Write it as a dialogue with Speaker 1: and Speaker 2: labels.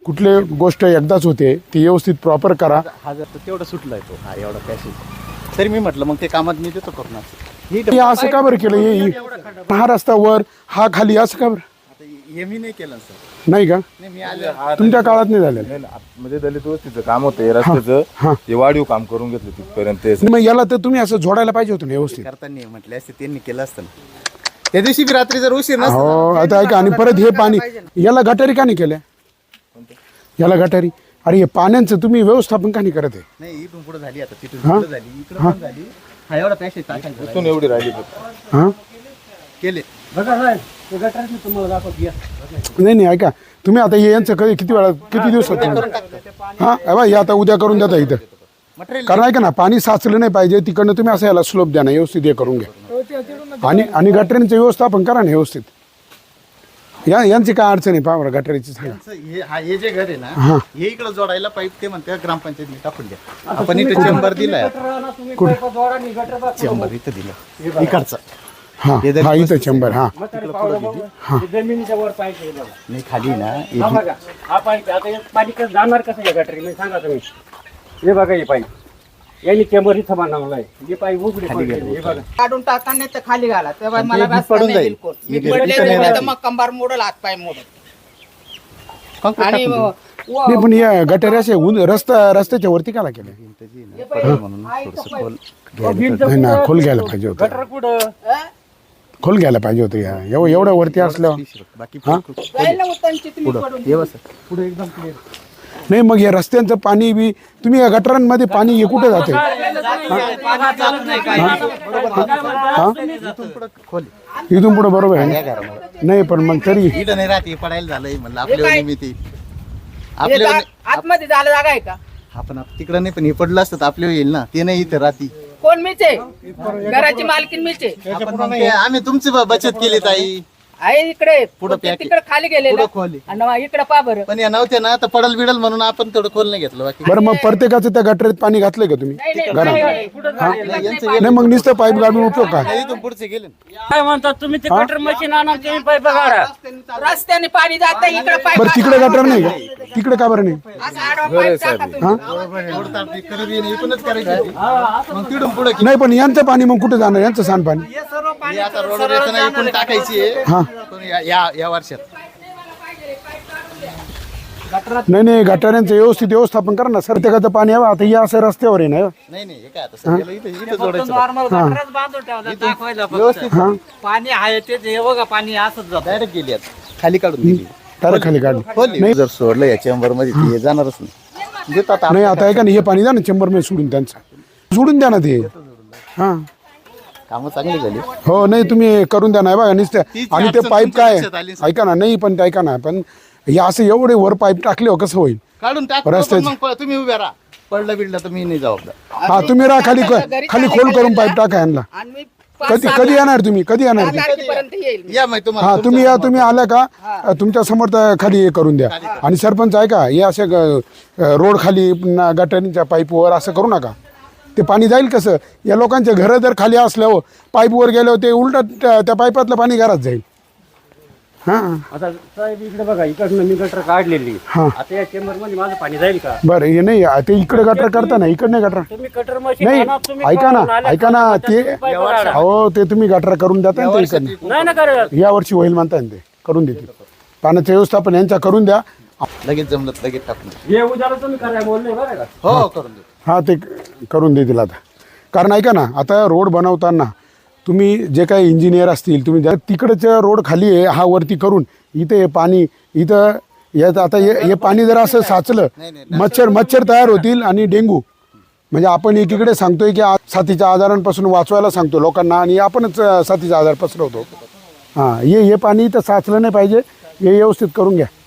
Speaker 1: कुठली गोष्ट एकदाच होते ती व्यवस्थित प्रॉपर करा.
Speaker 2: हा जर तेवढं सुटलाय तो हा एवढा पॅसेज तरी मी म्हटलं मग ते कामात मी देतो करून
Speaker 1: हे असं का बरं केलं हा रस्ता वर हा खाली असं का बरं
Speaker 2: हे मी नाही केलं सर.
Speaker 1: नाही का
Speaker 2: नाही मी आले
Speaker 1: तुमच्या काळात नाही झालेलं
Speaker 3: म्हणजे दलित वस्तीचं काम होतं रस्त्याचं ते वाढीव काम करून घेतलं तिथपर्यंत.
Speaker 1: मग याला तर तुम्ही असं जोडायला पाहिजे होतं ना व्यवस्थित.
Speaker 2: करताना म्हटले असते त्यांनी केलं असतं ना. त्या दिवशी बी रात्री जर उशीर नसता
Speaker 1: हो आता ऐका आणि परत हे पाणी याला गटारी का नाही केल्या याला गटारी अरे हे पाण्याचं तुम्ही व्यवस्थापन का नाही करत आहे.
Speaker 2: नाही इथून पुढे झाली आता तिथून पुढे झाली इकडे पण झाली हा एवढा पॅसेज टाकायचा
Speaker 3: इथून एवढी राहिली फक्त.
Speaker 1: हां
Speaker 2: केले
Speaker 1: नाही नाही ऐका तुम्ही आता हे यांचं कधी किती वेळा किती दिवसात हां हे आता उद्या करून देता इथं
Speaker 2: मटेरियल
Speaker 1: कारण ऐका ना पाणी साचलं नाही पाहिजे तिकडनं तुम्ही असं याला स्लोप द्या ना व्यवस्थित हे करून घ्या आणि गटारींचं व्यवस्थापन करा ना व्यवस्थित. यांची काय अडचण आहे पहा बरं गटारीची सांगा.
Speaker 2: हे जे घर आहे ना हे इकडे जोडायला पाईप ते म्हणते ग्रामपंचायतीने टाकून द्या. आपण इथे चेंबर दिलाय चेंबर इथं दिला इकडचा
Speaker 1: हां हा इथं चेंबर हां
Speaker 4: जमिनीच्या वर पाहिजे
Speaker 2: नाही खाली ना
Speaker 4: हा पाईप आता हे पाणी कसं जाणार कसं या गटारी सांगा तुम्ही. हे बघा हे पाईप यांनी चेंबर इथं बनवलाय हे पाईप उघडे पडले हे बघा
Speaker 5: काढून टाकताना ते खाली घाला तेव्हा मला
Speaker 2: हे
Speaker 5: रस्ता
Speaker 2: पडून
Speaker 5: नाही
Speaker 2: जाईल.
Speaker 5: बिलकुल.
Speaker 2: हे
Speaker 5: मी पडले
Speaker 2: इथं नाही
Speaker 5: तर
Speaker 2: राहत.
Speaker 5: मग कंबार मोडल हात पाय मोडल आणि
Speaker 1: नाही पण या गटारी असे रस्त्याच्या वरती काला केल्या
Speaker 2: म्हणून थोडंसं खोल
Speaker 1: नाही ना खोल घ्यायला पाहिजे होतं
Speaker 4: गटर कुठं
Speaker 1: खोल घ्यायला पाहिजे होतं या एवढं वरती असल्यावर
Speaker 2: बाकी
Speaker 5: जाईल ना उतनची तुम्ही पडून
Speaker 2: हे बस
Speaker 4: पुढे एकदम क्लिअर
Speaker 1: नाही मग या रस्त्यांचं पाणी बी तुम्ही या गटारांमध्ये पाणी हे कुठे जाते
Speaker 2: खोल
Speaker 1: इथून पुढे बरोबर आहे ना? नाही पण मग तरी
Speaker 2: इथं नाही राहते पडायला झालंय म्हणलं आपल्या
Speaker 5: काय?
Speaker 2: निमित्त
Speaker 5: हे
Speaker 2: आपल्या
Speaker 5: आतमध्ये झालं जागा आहे का
Speaker 2: आपण तिकडं नाही पण हे पडलं असतं तर आपल्या येईल ना ते नाही इथं राहती
Speaker 5: कोण मीच आहे घराची मालकीन मीच आहे
Speaker 2: आपण मग ते आम्ही तुमची बचत केली ताई
Speaker 5: आहे इकडे
Speaker 2: पुढं पॅक
Speaker 5: तिकडे खाली गेलेलं
Speaker 2: पुढं खोल आहे.
Speaker 5: आणि मग इकडे पा बरं
Speaker 2: पण या नव्हत्या ना तर पडल बिडल म्हणून आपण थोडं खोल नाही घेतलं बाकी
Speaker 1: बरं मग प्रत्येकाचं त्या गटारीत पाणी घातलंय का तुम्ही नाही मग नुसतं पाईप गाडून उपयोग का
Speaker 2: नाही, इथून पुढचे गेले ना.
Speaker 4: काय म्हणतात तुम्ही ते कटर मशीन आणा तुम्ही पाईप काढा
Speaker 5: रस्त्याने पाणी जात इकडे पाय
Speaker 1: बरं तिकडे गटार नाही का तिकडे का बरं नाही
Speaker 5: असं आडवा पाईप टाका तुम्ही.
Speaker 2: एवढं ताप करत येईन, इथूनच करायची होती. मग तिथून पुढे
Speaker 1: नाही पण यांचं पाणी मग कुठे जाणार यांचं सांडपाणी
Speaker 2: हे आता रोडवर येताना इथून टाकायची आहे.
Speaker 1: हा
Speaker 2: पण या वर्षात
Speaker 1: नाही गटाऱ्यांचं व्यवस्थित व्यवस्थापन करा ना प्रत्येकाचं पाणी यावं आता या असं रस्त्यावर आहे ना
Speaker 2: नाही हे काय आता सगळ्याला इथं जोडायचं
Speaker 4: नॉर्मल गटरच बांधून ठेवला दाखवायला फक्त. पाणी आहे ते हे बघा पाणी असंच जात
Speaker 2: डायरेक्ट गेली आता खाली काढून दिली
Speaker 1: तर खाली काढली
Speaker 2: खोली जर सोडलं या चेंबर मध्ये ते जाणारच नाही देतात
Speaker 1: नाही आता ऐका ना हे पाणी द्या ना चेंबरमध्ये सोडून त्यांचं सोडून द्या ना ते हां
Speaker 2: कामं चांगली झाली
Speaker 1: हो नाही तुम्ही करून द्या ना बघा नुसतं आणि ते
Speaker 2: अडचण
Speaker 1: पाईप
Speaker 2: तुमच्या
Speaker 1: काय
Speaker 2: लक्षात आली
Speaker 1: ऐका ना नाही पण ते ऐका ना पण हे असं एवढे वर पाईप टाकले हो कसं होईल
Speaker 2: काढून टाक
Speaker 1: रस्त्याचं.
Speaker 2: मग तुम्ही उभ्या राहा पडलं बिडलं तर मी नाही जबाबदार
Speaker 1: हा तुम्ही राहा खाली खाली खोल करून पाईप टाका यांना
Speaker 5: आणि मी
Speaker 1: कधी येणार तुम्ही कधी येणार ते?
Speaker 5: तारखेपर्यंत येईल
Speaker 2: या माहिती तुम्हाला
Speaker 1: हा तुम्ही आल्या का तुमच्या समोर त्या खाली हे करून द्या आणि सरपंच आहे का हे असे रोड खाली पुन्हा गटारींच्या पाईपवर असं करू नका ते पाणी जाईल कसं या लोकांचे घरं जर खाली असल्यावर पाईपवर गेल्यावर ते उलट त्या पाईपातलं पाणी घरात जाईल हां
Speaker 4: आता साहेब इकडे बघा इकडनं मी गटर काढलेली
Speaker 1: हां
Speaker 4: आता या चेंबर मध्ये माझं पाणी जाईल का
Speaker 1: बरं हे नाही ते इकडे गटर करता ना इकडे नाही गटर
Speaker 4: तुम्ही कटर मशीन
Speaker 1: नाही
Speaker 4: आणा तुम्ही
Speaker 1: ऐका
Speaker 4: करून आल्या
Speaker 1: ना ते
Speaker 4: पाईप काढा.
Speaker 1: हो ते तुम्ही गटर करून देता ना ते इकडनं
Speaker 4: नाही ना करत
Speaker 1: या वर्षी होईल म्हणताय ना ते करून देतील पाण्याचं व्यवस्थापन यांच्या करून द्या
Speaker 2: लगेच जमलं लगेच टाकून
Speaker 4: हे उद्याला तुम्ही करायला बोलले बरं का
Speaker 2: हो करून देतो
Speaker 1: हां ते करून देतील आता कारण ऐका ना आता रोड बनवताना तुम्ही जे काही इंजिनियर असतील तुम्ही तिकडचं रोड खाली आहे हा वरती करून इथे हे पाणी इथं यात आता हे पाणी जर असं साचलं मच्छर तयार होतील आणि डेंगू म्हणजे आपण एकीकडे सांगतोय की साथीच्या आजारांपासून वाचवायला सांगतो लोकांना आणि आपणच साथीचा आजार पसरवतो हां हे पाणी इथं साचलं नाही पाहिजे हे व्यवस्थित करून घ्या.